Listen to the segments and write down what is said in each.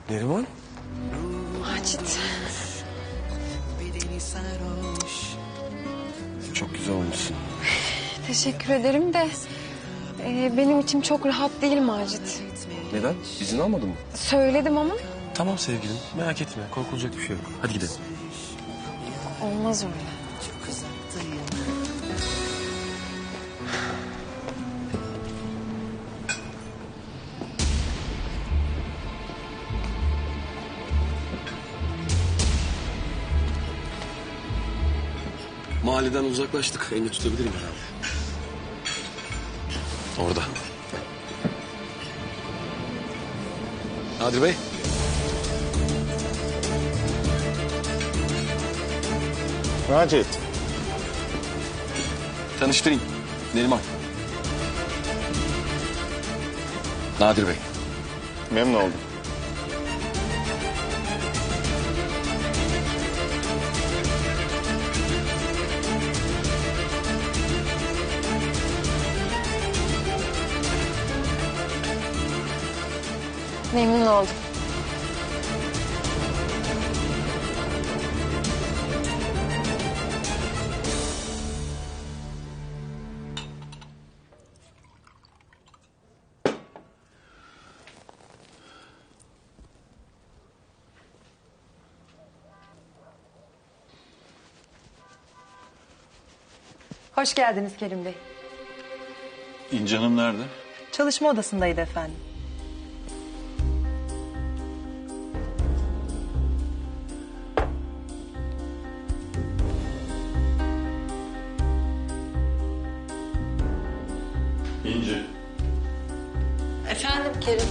Neriman? Macit. Çok güzel olmuşsun. Teşekkür ederim de benim içim çok rahat değil Macit. Neden? İzin almadın mı? Söyledim ama Tamam sevgilim, merak etme. Korkulacak bir şey yok. Hadi gidelim. olmaz öyle. Mahalleden uzaklaştık. Elini tutabilirim herhalde. Orada. Nadir Bey. Macit. Tanıştırayım. Neriman. Nadir Bey. Memnun oldum. Memnun oldum. Hoş geldiniz Kerim Bey. İnci Hanım nerede? Çalışma odasındaydı efendim. İnci. Efendim Kerim.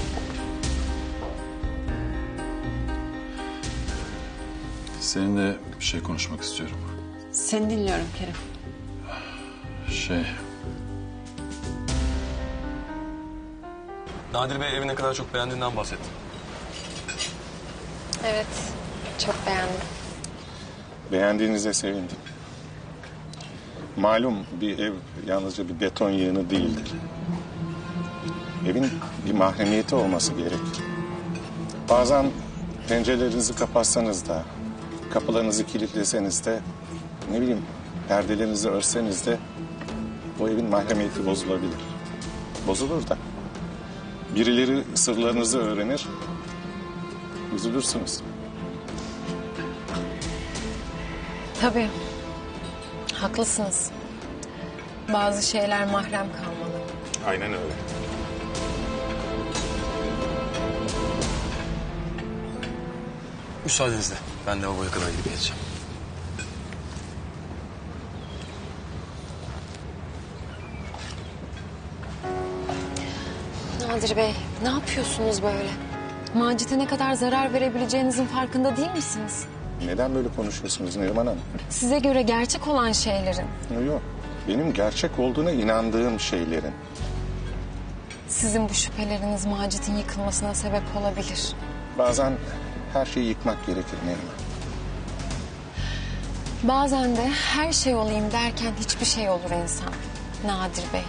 Seninle bir şey konuşmak istiyorum. Seni dinliyorum Kerim. Nadir Bey evi ne kadar çok beğendiğinden bahsetti. Evet, çok beğendim. Beğendiğinize sevindim. Malum bir ev yalnızca bir beton yığını değildir. Evin bir mahremiyeti olması gerekir. Bazen pencerelerinizi kapatsanız da, kapılarınızı kilitleseniz de, ne bileyim perdelerinizi örseniz de o evin mahremiyeti bozulabilir. Bozulur da. Birileri sırlarınızı öğrenir, üzülürsünüz. Tabii. Haklısınız. Bazı şeyler mahrem kalmalı. Aynen öyle. Müsaadenizle. Ben lavaboya kadar gidip geleceğim. Nadir Bey, ne yapıyorsunuz böyle? Macit'e ne kadar zarar verebileceğinizin farkında değil misiniz? Neden böyle konuşuyorsunuz Neriman Hanım? Size göre gerçek olan şeylerin, Yok, benim gerçek olduğuna inandığım şeylerin. sizin bu şüpheleriniz Macit'in yıkılmasına sebep olabilir. Bazen her şeyi yıkmak gerekir Neriman. Bazen de her şey olayım derken hiçbir şey olur insan. Nadir Bey.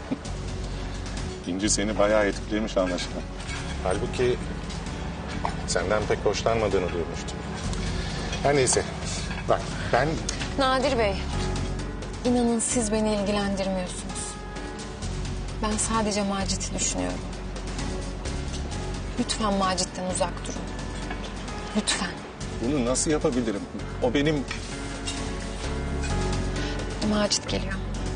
İnci seni bayağı etkilemiş anlaşılan. Halbuki senden pek hoşlanmadığını duymuştum. Her neyse, bak ben... Nadir Bey, inanın siz beni ilgilendirmiyorsunuz. Ben sadece Macit'i düşünüyorum. Lütfen Macit'ten uzak durun. Lütfen. Bunu nasıl yapabilirim? O benim... Macit geliyor.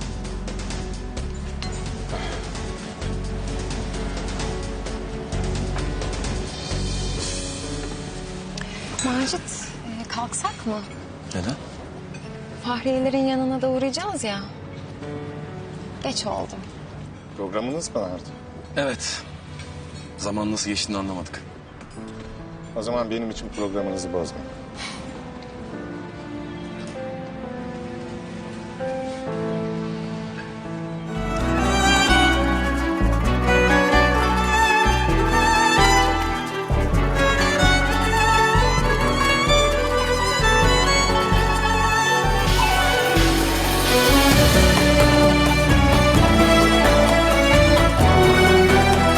Macit, kalksak mı? Neden? Fahriyelerin yanına da uğrayacağız ya. Geç oldu. Programınız mı vardı? Evet. Zaman nasıl geçtiğini anlamadık. O zaman benim için programınızı bozmayın.